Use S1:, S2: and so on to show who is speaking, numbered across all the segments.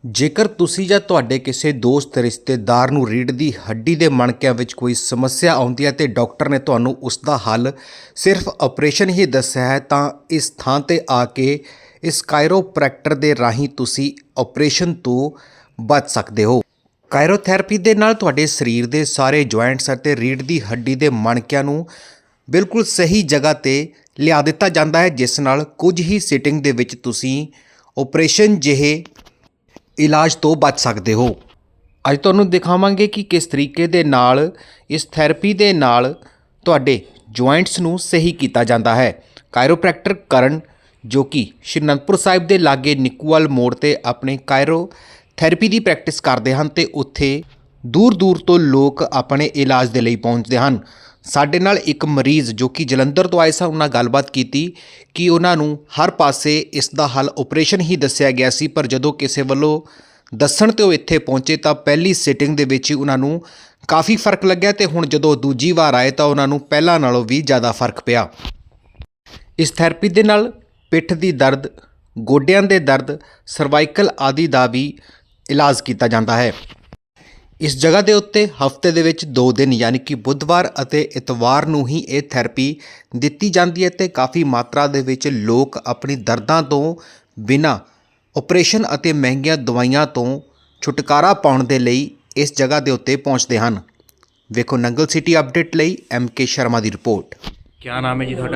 S1: ਜੇਕਰ ਤੁਸੀਂ ਜਾਂ ਤੁਹਾਡੇ ਕਿਸੇ ਦੋਸਤ ਰਿਸ਼ਤੇਦਾਰ ਨੂੰ ਰੀੜ੍ਹ ਦੀ ਹੱਡੀ ਦੇ ਮਣਕਿਆਂ ਵਿੱਚ ਕੋਈ ਸਮੱਸਿਆ ਆਉਂਦੀ ਹੈ ਤੇ ਡਾਕਟਰ ਨੇ ਤੁਹਾਨੂੰ ਉਸ ਦਾ ਹੱਲ ਸਿਰਫ ਆਪਰੇਸ਼ਨ ਹੀ ਦੱਸਿਆ ਹੈ ਤਾਂ ਇਸ ਥਾਂ ਤੇ ਆ ਕੇ ਇਸ ਕਾਇਰੋਪ੍ਰੈਕਟਰ ਦੇ ਰਾਹੀਂ ਤੁਸੀਂ ਆਪਰੇਸ਼ਨ ਤੋਂ ਬਚ ਸਕਦੇ ਹੋ। ਕਾਇਰੋਥੈਰੇਪੀ ਦੇ ਨਾਲ ਤੁਹਾਡੇ ਸਰੀਰ ਦੇ ਸਾਰੇ ਜੁਆਇੰਟਸ ਅਤੇ ਰੀੜ੍ਹ ਦੀ ਹੱਡੀ ਦੇ ਮਣਕਿਆਂ ਨੂੰ ਬਿਲਕੁਲ ਸਹੀ ਜਗ੍ਹਾ ਤੇ ਲਿਆ ਦਿੱਤਾ ਜਾਂਦਾ ਹੈ, ਜਿਸ ਨਾਲ ਕੁਝ ਹੀ ਸਿਟਿੰਗ ਦੇ ਵਿੱਚ ਤੁਸੀਂ ਆਪਰੇਸ਼ਨ ਜਿਹੇ ਇਲਾਜ ਤੋਂ ਬਚ ਸਕਦੇ ਹੋ। ਅੱਜ ਤੁਹਾਨੂੰ ਦਿਖਾਵਾਂਗੇ ਕਿ ਕਿਸ ਤਰੀਕੇ ਦੇ ਨਾਲ ਇਸ ਥੈਰੇਪੀ ਦੇ ਨਾਲ ਤੁਹਾਡੇ ਜੁਆਇੰਟਸ ਨੂੰ ਸਹੀ ਕੀਤਾ ਜਾਂਦਾ ਹੈ। ਕਾਇਰੋਪ੍ਰੈਕਟਰ ਕਰਨ ਜੋ ਕਿ ਸ਼੍ਰੀ ਅਨੰਦਪੁਰ ਸਾਹਿਬ ਦੇ ਲਾਗੇ ਨਿੱਕੂਵਾਲ ਮੋੜ ਤੇ ਆਪਣੇ ਕਾਇਰੋਥੈਰੇਪੀ ਦੀ ਪ੍ਰੈਕਟਿਸ ਕਰਦੇ ਹਨ ਤੇ ਉੱਥੇ ਦੂਰ ਦੂਰ ਤੋਂ ਲੋਕ ਆਪਣੇ ਇਲਾਜ ਦੇ ਲਈ ਪਹੁੰਚਦੇ ਹਨ। ਸਾਡੇ ਨਾਲ ਇੱਕ ਮਰੀਜ਼ ਜੋ ਕਿ ਜਲੰਧਰ ਤੋਂ ਆਏ ਸਨ, ਉਹਨਾਂ ਗੱਲਬਾਤ ਕੀਤੀ ਕਿ ਉਹਨਾਂ ਨੂੰ ਹਰ ਪਾਸੇ ਇਸ ਦਾ ਹੱਲ ਆਪਰੇਸ਼ਨ ਹੀ ਦੱਸਿਆ ਗਿਆ ਸੀ, ਪਰ ਜਦੋਂ ਕਿਸੇ ਵੱਲੋਂ ਦੱਸਣ ਤੇ ਉਹ ਇੱਥੇ ਪਹੁੰਚੇ ਤਾਂ ਪਹਿਲੀ ਸਿਟਿੰਗ ਦੇ ਵਿੱਚ ਹੀ ਉਹਨਾਂ ਨੂੰ ਕਾਫੀ ਫਰਕ ਲੱਗਿਆ ਤੇ ਹੁਣ ਜਦੋਂ ਦੂਜੀ ਵਾਰ ਆਏ ਤਾਂ ਉਹਨਾਂ ਨੂੰ ਪਹਿਲਾਂ ਨਾਲੋਂ ਵੀ ਜ਼ਿਆਦਾ ਫਰਕ ਪਿਆ। ਇਸ ਥੈਰੇਪੀ ਦੇ ਨਾਲ ਪਿੱਠ ਦੀ ਦਰਦ, ਗੋਡਿਆਂ ਦੇ ਦਰਦ, ਸਰਵਾਈਕਲ ਆਦਿ ਦਾ ਵੀ ਇਲਾਜ ਕੀਤਾ ਜਾਂਦਾ ਹੈ। ਇਸ ਜਗ੍ਹਾ ਦੇ ਉੱਤੇ ਹਫਤੇ ਦੇ ਵਿੱਚ 2 ਦਿਨ ਯਾਨੀ ਕਿ ਬੁੱਧਵਾਰ ਅਤੇ ਇਤਵਾਰ ਨੂੰ ਹੀ ਇਹ ਥੈਰੇਪੀ ਦਿੱਤੀ ਜਾਂਦੀ ਹੈ ਤੇ ਕਾਫੀ ਮਾਤਰਾ ਦੇ ਵਿੱਚ ਲੋਕ ਆਪਣੀ ਦਰਦਾਂ ਤੋਂ ਬਿਨਾਂ ਆਪਰੇਸ਼ਨ ਅਤੇ ਮਹਿੰਗੀਆਂ ਦਵਾਈਆਂ ਤੋਂ ਛੁਟਕਾਰਾ ਪਾਉਣ ਦੇ ਲਈ ਇਸ ਜਗ੍ਹਾ ਦੇ ਉੱਤੇ ਪਹੁੰਚਦੇ ਹਨ। ਵੇਖੋ ਨੰਗਲ ਸਿਟੀ ਅਪਡੇਟ ਲਈ MK ਸ਼ਰਮਾ ਦੀ ਰਿਪੋਰਟ।
S2: क्या नाम है जी ਤੁਹਾਡਾ?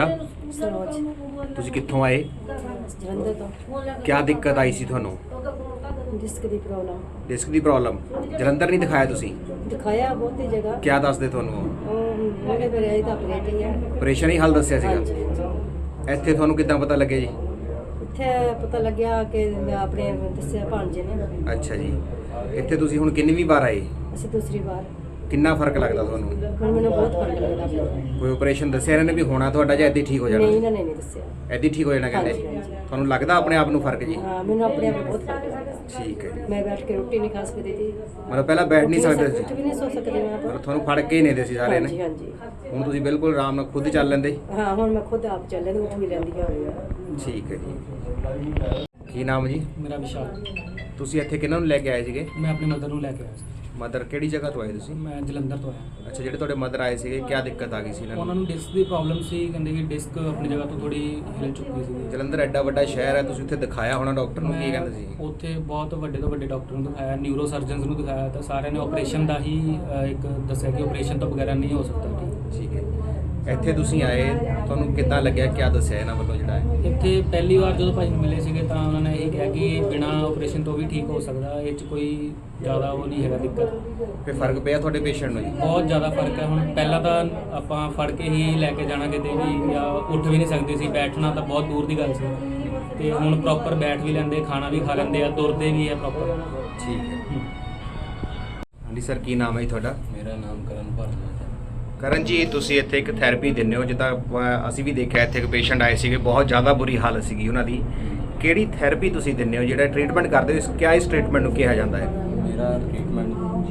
S3: सरोज
S2: ਤੁਸੀਂ ਕਿੱਥੋਂ ਆਏ?
S3: जलंधर तो
S2: ਕੀ ਦਿੱਕਤ ਆਈ ਸੀ ਤੁਹਾਨੂੰ?
S3: डिस्क की प्रॉब्लम
S2: ਡਿਸਕ ਦੀ ਪ੍ਰੋਬਲਮ। ਜਲੰਧਰ ਨਹੀਂ ਦਿਖਾਇਆ ਤੁਸੀਂ?
S3: दिखाया बहुत ही जगह
S2: ਕੀ ਦੱਸਦੇ ਤੁਹਾਨੂੰ?
S3: मोटे पर आई तो ऑपरेट ही है।
S2: ਆਪਰੇਸ਼ਨ ਹੀ ਹੱਲ ਦੱਸਿਆ
S3: हाँ
S2: ਸੀਗਾ।
S3: जी हाँ
S2: ਇੱਥੇ ਤੁਹਾਨੂੰ ਕਿੱਦਾਂ ਪਤਾ ਲੱਗਿਆ ਜੀ?
S3: इत्थे पता लग्या कि मैं अपने दस्सिया भांजे ने
S2: ਅੱਛਾ ਜੀ। ਇੱਥੇ ਤੁਸੀਂ ਹੁਣ ਕਿੰਨੀ ਵਾਰ ਆਏ?
S3: असं दूसरी बार
S2: ਕਿੰਨਾ ਫਰਕ ਲੱਗਦਾ ਤੁਹਾਨੂੰ?
S3: ਹੁਣ ਮੈਨੂੰ ਬਹੁਤ ਫਰਕ ਲੱਗਦਾ ਪਿਆ।
S2: ਕੋਈ ਆਪਰੇਸ਼ਨ ਦੱਸਿਆ ਇਹਨਾਂ ਨੇ ਵੀ ਹੋਣਾ ਤੁਹਾਡਾ ਜਾਂ ਇੱਦਾਂ ਹੀ ਠੀਕ ਹੋ ਜਾਣਾ?
S3: ਨਹੀਂ ਇਹਨਾਂ ਨੇ ਨਹੀਂ ਦੱਸਿਆ।
S2: ਇੱਦਾਂ ਹੀ ਠੀਕ ਹੋ ਜਾਣਾ ਕਹਿੰਦੇ?
S3: ਹਾਂਜੀ, ਹਾਂਜੀ।
S2: ਤੁਹਾਨੂੰ ਲੱਗਦਾ ਆਪਣੇ ਆਪ ਨੂੰ ਫਰਕ ਜੀ?
S3: ਹਾਂ ਮੈਨੂੰ ਆਪਣੇ ਆਪ ਨੂੰ ਬਹੁਤ ਫਰਕ ਲੱਗਦਾ।
S2: ਠੀਕ ਹੈ ਜੀ।
S3: ਮੈਂ ਬੈਠ ਕੇ ਰੋਟੀ ਨਹੀਂ ਖਾ ਸਕਦੀ थी।
S2: ਮਤਲਬ ਪਹਿਲਾਂ ਬੈਠ ਨਹੀਂ ਸਕਦੇ
S3: कुछ
S2: ਸੀ?
S3: भी नहीं सो सकती मैं तो।
S2: ਮਤਲਬ ਤੁਹਾਨੂੰ ਫੜ ਕੇ ਹੀ ਨਹੀਂ ਦੇ ਸੀ ਸਾਰੇ
S3: ਹਾਂਜੀ
S2: ਨੇ?
S3: ਹਾਂਜੀ
S2: ਹੁਣ ਤੁਸੀਂ ਬਿਲਕੁਲ ਆਰਾਮ ਨਾਲ ਖੁਦ ਚੱਲ ਲੈਂਦੇ?
S3: ਹਾਂ ਹੁਣ ਮੈਂ ਖੁਦ ਆਪ ਚੱਲੇ ਤੇ ਉੱਠ ਵੀ ਲੈਂਦੀ ਹਾਂ।
S2: ਠੀਕ ਹੈ ਜੀ। ਕੀ ਨਾਮ ਜੀ?
S4: ਮੇਰਾ ਵਿਸ਼ਾਲ।
S2: ਤੁਸੀਂ ਇੱਥੇ ਕਿਹਨਾਂ ਨੂੰ ਲੈ ਕੇ ਆਏ ਸੀਗੇ?
S4: ਮੈਂ ਆਪਣੀ ਮਦਰ ਨੂੰ ਲੈ ਕੇ ਆਇਆ ਸੀ।
S2: ਮਦਰ ਕਿਹੜੀ ਜਗ੍ਹਾ ਤੋਂ ਆਏ ਤੁਸੀਂ?
S4: ਮੈਂ ਜਲੰਧਰ ਤੋਂ ਆਇਆ।
S2: ਅੱਛਾ, ਜਿਹੜੇ ਤੁਹਾਡੇ ਮਦਰ ਆਏ ਸੀਗੇ ਕੀ ਦਿੱਕਤ ਆ ਗਈ ਸੀ ਇਹਨਾਂ
S4: ਉਹਨਾਂ
S2: ਨੂੰ?
S4: ਨੂੰ ਡਿਸਕ ਦੀ ਪ੍ਰੋਬਲਮ ਸੀ, ਕਹਿੰਦੇ ਕਿ ਡਿਸਕ ਆਪਣੀ ਜਗ੍ਹਾ ਤੋਂ ਥੋੜੀ ਹਿਲ ਚੁੱਕੀ ਸੀ।
S2: ਜਲੰਧਰ ਐਡਾ ਵੱਡਾ ਸ਼ਹਿਰ ਹੈ, ਤੁਸੀਂ ਉੱਥੇ ਦਿਖਾਇਆ ਹੋਣਾ ਡਾਕਟਰ ਨੂੰ, ਕੀ ਕਹਿੰਦੇ ਸੀ?
S4: ਉੱਥੇ ਬਹੁਤ ਵੱਡੇ ਤੋਂ ਵੱਡੇ ਡਾਕਟਰ ਨੂੰ ਦਿਖਾਇਆ, ਨਿਊਰੋ ਸਰਜਨਸ ਨੂੰ ਦਿਖਾਇਆ ਤਾਂ ਸਾਰਿਆਂ ਨੇ ਆਪਰੇਸ਼ਨ ਦਾ ਹੀ ਇੱਕ ਦੱਸਿਆ ਕਿ ਆਪਰੇਸ਼ਨ ਤੋਂ ਬਗੈਰ ਨਹੀਂ ਹੋ ਸਕਦਾ।
S2: ਠੀਕ ਹੈ। ਇੱਥੇ ਤੁਸੀਂ ਆਏ, ਤੁਹਾਨੂੰ ਕਿੱਦਾਂ ਲੱਗਿਆ, ਕੀ ਦੱਸਿਆ ਇਹਨਾਂ ਵੱਲੋਂ ਜਿਹੜਾ ਹੈ?
S4: ਇੱਥੇ ਪਹਿਲੀ ਵਾਰ ਜਦੋਂ ਭਾਈ ਨੂੰ ਮਿਲੇ ਸੀਗੇ ਤਾਂ ਉਹਨਾਂ ਨੇ ਇਹ ਕਿਹਾ ਕਿ ਬਿਨਾਂ ਆਪਰੇਸ਼ਨ ਤੋਂ ਵੀ ਠੀਕ ਹੋ ਸਕਦਾ, ਇਹ 'ਚ ਕੋਈ ਜ਼ਿਆਦਾ ਉਹ ਨਹੀਂ ਹੈਗਾ ਦਿੱਕਤ।
S2: ਫਿਰ ਫਰਕ ਪਿਆ ਤੁਹਾਡੇ ਪੇਸ਼ੈਂਟ ਨੂੰ ਜੀ?
S4: ਬਹੁਤ ਜ਼ਿਆਦਾ ਫਰਕ ਹੈ। ਹੁਣ ਪਹਿਲਾਂ ਤਾਂ ਆਪਾਂ ਫੜ ਕੇ ਹੀ ਲੈ ਕੇ ਜਾਣਾ ਕਿਤੇ ਵੀ ਜਾਂ ਉੱਠ ਵੀ ਨਹੀਂ ਸਕਦੇ ਸੀ, ਬੈਠਣਾ ਤਾਂ ਬਹੁਤ ਦੂਰ ਦੀ ਗੱਲ ਸੀ ਤੇ ਹੁਣ ਪ੍ਰੋਪਰ ਬੈਠ ਵੀ ਲੈਂਦੇ, ਖਾਣਾ ਵੀ ਖਾ ਲੈਂਦੇ ਆ, ਤੁਰਦੇ ਵੀ ਆ ਪ੍ਰੋਪਰ।
S2: ਠੀਕ ਹੈ। ਹਾਂਜੀ ਸਰ, ਕੀ ਨਾਮ ਹੈ ਜੀ ਤੁਹਾਡਾ?
S5: ਮੇਰਾ ਨਾਮ ਕਰਨ ਭਾਰਦਵਾਜ ਹੈ।
S2: ਕਰਨ ਜੀ, ਤੁਸੀਂ ਇੱਥੇ ਇੱਕ ਥੈਰੇਪੀ ਦਿੰਦੇ ਹੋ, ਜਿੱਦਾਂ ਅਸੀਂ ਵੀ ਦੇਖਿਆ ਇੱਥੇ ਇੱਕ ਪੇਸ਼ੈਂਟ ਆਏ ਸੀਗੇ, ਬਹੁਤ ਜ਼ਿਆਦਾ ਬੁਰੀ ਹਾਲਤ ਸੀਗੀ ਉਹਨਾਂ ਦੀ। ਕਿਹੜੀ ਥੈਰੇਪੀ ਤੁਸੀਂ ਦਿੰਦੇ ਹੋ, ਜਿਹੜਾ ਟ੍ਰੀਟਮੈਂਟ ਕਰਦੇ ਹੋ, ਕਿਆ ਇਸ ਟ੍ਰੀਟਮੈਂਟ ਨੂੰ ਕਿਹਾ ਜਾਂਦਾ ਹੈ?
S5: ਮੇਰਾ ਟ੍ਰੀਟਮੈਂਟ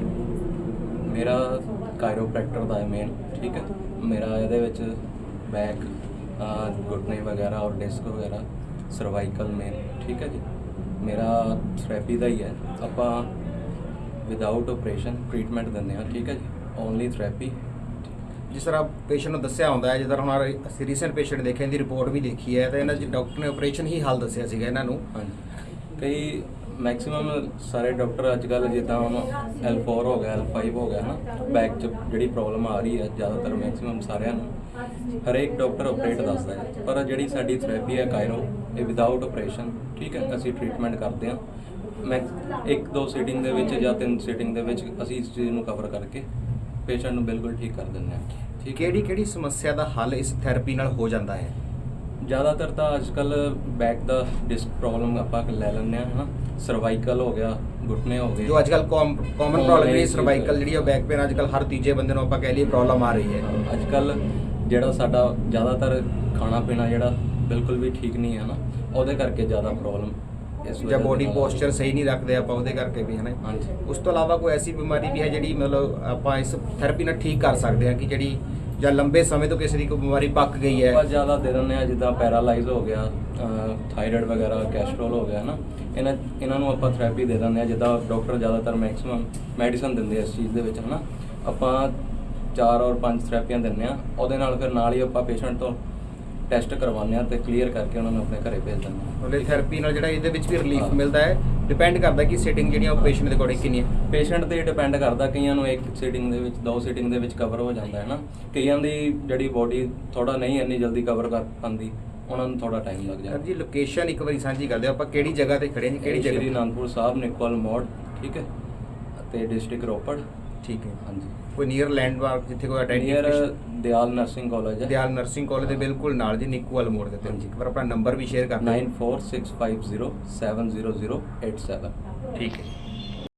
S5: ਮੇਰਾ ਕਾਇਰੋਪ੍ਰੈਕਟਰ ਦਾ ਹੈ ਮੇਨ। ਠੀਕ ਹੈ। ਮੇਰਾ ਇਹਦੇ ਵਿੱਚ ਬੈਕ, ਘੁਟਨੇ ਵਗੈਰਾ ਔਰ ਡਿਸਕ ਵਗੈਰਾ, ਸਰਵਾਈਕਲ ਮੇਨ। ਠੀਕ ਹੈ ਜੀ। ਮੇਰਾ ਥੈਰੇਪੀ ਦਾ ਹੀ ਹੈ। ਆਪਾਂ ਵਿਦਆਊਟ ਆਪਰੇਸ਼ਨ ਟ੍ਰੀਟਮੈਂਟ ਦਿੰਦੇ ਹਾਂ। ਠੀਕ ਹੈ ਜੀ। Only therapy.
S2: ਜਿਸ ਤਰ੍ਹਾਂ ਪੇਸ਼ੈਂਟ ਨੂੰ ਦੱਸਿਆ ਹੁੰਦਾ ਹੈ, ਜਿਸ ਤਰ੍ਹਾਂ ਹੁਣ ਅਸੀਂ ਰੀਸੈਂਟ ਪੇਸ਼ੈਂਟ ਦੇਖੇ, ਇਹਦੀ ਰਿਪੋਰਟ ਵੀ ਦੇਖੀ ਹੈ, ਤਾਂ ਇਹਨਾਂ 'ਚ ਡਾਕਟਰ ਨੇ ਆਪਰੇਸ਼ਨ ਹੀ ਹੱਲ ਦੱਸਿਆ ਸੀਗਾ ਇਹਨਾਂ ਨੂੰ।
S5: ਹਾਂਜੀ। ਕਈ ਮੈਕਸਿਮਮ ਸਾਰੇ ਡਾਕਟਰ ਅੱਜ ਕੱਲ੍ਹ ਜਿੱਦਾਂ ਹੁਣ L4 ਹੋ ਗਿਆ, L5 ਹੋ ਗਿਆ ਨਾ, ਬੈਕ 'ਚ ਜਿਹੜੀ ਪ੍ਰੋਬਲਮ ਆ ਰਹੀ ਹੈ ਜ਼ਿਆਦਾਤਰ ਮੈਕਸਿਮਮ ਸਾਰਿਆਂ ਨੂੰ ਹਰੇਕ ਡਾਕਟਰ ਆਪਰੇਟ ਦੱਸਦਾ ਹੈ, ਪਰ ਜਿਹੜੀ ਸਾਡੀ ਥੈਰੇਪੀ ਹੈ ਕਾਇਰੋ, ਇਹ ਵਿਦਆਊਟ ਆਪਰੇਸ਼ਨ। ਠੀਕ ਹੈ। ਅਸੀਂ ਟ੍ਰੀਟਮੈਂਟ ਕਰਦੇ ਹਾਂ। ਮੈਂ 1-2 ਸੀਟਿੰਗ ਦੇ ਵਿੱਚ ਜਾਂ 3 ਸੀਟਿੰਗ ਦੇ ਵਿੱਚ ਅਸੀਂ ਇਸ ਚੀਜ਼ ਨੂੰ ਕਵਰ ਕਰਕੇ ਪੇਸ਼ੈਂਟ ਨੂੰ ਬਿਲਕੁਲ ਠੀਕ ਕਰ ਦਿੰਦੇ ਹਾਂ। ਠੀਕ ਹੈ।
S2: ਕਿਹੜੀ ਸਮੱਸਿਆ ਦਾ ਹੱਲ ਇਸ ਥੈਰੇਪੀ ਨਾਲ ਹੋ ਜਾਂਦਾ ਹੈ?
S5: ਜ਼ਿਆਦਾਤਰ ਤਾਂ ਅੱਜ ਕੱਲ੍ਹ ਬੈਕ ਦਾ ਡਿਸਕ ਪ੍ਰੋਬਲਮ ਆਪਾਂ ਲੈ ਲੈਂਦੇ ਹਾਂ, ਹੈ ਨਾ। ਸਰਵਾਈਕਲ ਹੋ ਗਿਆ, ਘੁਟਨੇ ਹੋ ਗਏ,
S2: ਜੋ ਅੱਜ ਕੱਲ੍ਹ ਕਾਮਨ ਪ੍ਰੋਬਲਮ ਜਿਹੜੀ ਸਰਵਾਈਕਲ ਜਿਹੜੀ ਬੈਕ ਪੇਨ, ਅੱਜ ਕੱਲ੍ਹ ਹਰ ਤੀਜੇ ਬੰਦੇ ਨੂੰ ਆਪਾਂ ਕਹਿ ਲਈਏ ਪ੍ਰੋਬਲਮ ਆ ਰਹੀ ਹੈ।
S5: ਅੱਜ ਕੱਲ੍ਹ ਜਿਹੜਾ ਸਾਡਾ ਜ਼ਿਆਦਾਤਰ ਖਾਣਾ ਪੀਣਾ ਜਿਹੜਾ ਬਿਲਕੁਲ ਵੀ ਠੀਕ ਨਹੀਂ ਹੈ ਨਾ, ਉਹਦੇ ਕਰਕੇ ਜ਼ਿਆਦਾ ਪ੍ਰੋਬਲਮ ਇਸ
S2: ਜਾਂ ਬੋਡੀ ਪੋਸਚਰ ਸਹੀ ਨਹੀਂ ਰੱਖਦੇ ਆਪਾਂ, ਉਹਦੇ ਕਰਕੇ ਵੀ ਹੈ ਨਾ।
S5: ਹਾਂਜੀ।
S2: ਉਸ ਤੋਂ ਇਲਾਵਾ ਕੋਈ ਐਸੀ ਬਿਮਾਰੀ ਵੀ ਹੈ ਜਿਹੜੀ ਮਤਲਬ ਆਪਾਂ ਇਸ ਥੈਰੇਪੀ ਨਾਲ ਠੀਕ ਕਰ ਸਕਦੇ ਹਾਂ, ਕਿ ਜਿਹੜੀ ਜਾਂ ਲੰਬੇ ਸਮੇਂ ਤੋਂ ਕਿਸੇ ਦੀ ਕੋਈ ਬਿਮਾਰੀ ਪੱਕ ਗਈ ਹੈ?
S5: ਆਪਾਂ ਜ਼ਿਆਦਾ ਦੇ ਦਿੰਦੇ ਹਾਂ, ਜਿੱਦਾਂ ਪੈਰਾਲਾਈਜ਼ ਹੋ ਗਿਆ, ਥਾਇਰਾਇਡ ਵਗੈਰਾ, ਕੈਸਟਰੋਲ ਹੋ ਗਿਆ ਨਾ, ਇਹਨਾਂ ਨੂੰ ਆਪਾਂ ਥੈਰੇਪੀ ਦੇ ਦਿੰਦੇ ਆ, ਜਿੱਦਾਂ ਡਾਕਟਰ ਜ਼ਿਆਦਾਤਰ ਮੈਕਸਿਮਮ ਮੈਡੀਸਨ ਦਿੰਦੇ ਆ ਇਸ ਚੀਜ਼ ਦੇ ਵਿੱਚ ਹੈ ਨਾ। ਆਪਾਂ 4 ਔਰ 5 ਥੈਰੇਪੀਆਂ ਦਿੰਦੇ ਆ, ਉਹਦੇ ਨਾਲ ਫਿਰ ਨਾਲ ਹੀ ਆਪਾਂ ਪੇਸ਼ੈਂਟ ਤੋਂ ਟੈਸਟ ਕਰਵਾਉਂਦੇ ਆ ਤੇ ਕਲੀਅਰ ਕਰਕੇ ਉਹਨਾਂ ਨੂੰ ਆਪਣੇ ਘਰੇ ਭੇਜ ਦਿੰਦੇ ਆ।
S2: ਉਹਦੇ ਥੈਰੇਪੀ ਨਾਲ ਜਿਹੜਾ ਇਹਦੇ ਵਿੱਚ ਵੀ ਰਿਲੀਫ ਮਿਲਦਾ ਹੈ, ਡਿਪੈਂਡ ਕਰਦਾ ਕਿ ਸੀਟਿੰਗ ਜਿਹੜੀਆਂ ਉਹ ਪੇਸ਼ੈਂਟ ਦੇ ਅਕੋਰਡਿੰਗ ਕਿੰਨੀ ਹੈ।
S5: ਪੇਸ਼ੈਂਟ ਤੇ ਡਿਪੈਂਡ ਕਰਦਾ, ਕਈਆਂ ਨੂੰ ਇੱਕ ਸੀਟਿੰਗ ਦੇ ਵਿੱਚ 2 ਸੀਟਿੰਗ ਦੇ ਵਿੱਚ ਕਵਰ ਹੋ ਜਾਂਦਾ ਹੈ ਨਾ, ਕਈਆਂ ਦੀ ਜਿਹੜੀ ਬੋਡੀ ਥੋੜਾ ਨਹੀਂ ਇੰਨੀ ਜਲਦੀ ਕਵਰ ਕਰ ਪਾਉਂਦੀ, ਉਹਨਾਂ ਨੂੰ ਥੋੜਾ ਟਾਈਮ ਲੱਗ
S2: ਸਰ
S5: ਜਾਂਦਾ।
S2: ਜੀ ਲੋਕੇਸ਼ਨ ਇੱਕ ਵਾਰੀ ਸਾਂਝੀ ਕਰਦੇ ਹੋ, ਆਪਾਂ ਕਿਹੜੀ ਜਗ੍ਹਾ ਤੇ ਖੜੇ ਹਾਂ ਜੀ, ਕਿਹੜੀ
S5: ਸ਼੍ਰੀ
S2: ਜਗ੍ਹਾ?
S5: ਅਨੰਦਪੁਰ ਸਾਹਿਬ, ਨਿਕੋਲ ਮੋੜ, ਠੀਕ ਹੈ, ਤੇ ਡਿਸਟ੍ਰਿਕਟ ਰੋਪੜ।
S2: ਠੀਕ ਹੈ।
S5: ਹਾਂਜੀ,
S2: ਕੋਈ ਨੀਅਰ ਲੈਂਡਮਾਰਕ ਜਿੱਥੇ ਕੋਈ
S5: near
S2: identification?
S5: Dayal nursing college ਹੈ।
S2: ਦਿਆਲ ਨਰਸਿੰਗ ਕਾਲਜ ਦੇ ਬਿਲਕੁਲ ਨਾਲ ਜੀ, ਨਿੱਕੂਵਾਲ ਮੋੜ ਦੇ ਉੱਤੇ।
S5: ਹਾਂਜੀ।
S2: ਇੱਕ ਵਾਰ ਆਪਣਾ ਨੰਬਰ ਵੀ ਸ਼ੇਅਰ ਕਰ ਦਿਓ।
S5: 9465070087।
S2: ਠੀਕ ਹੈ।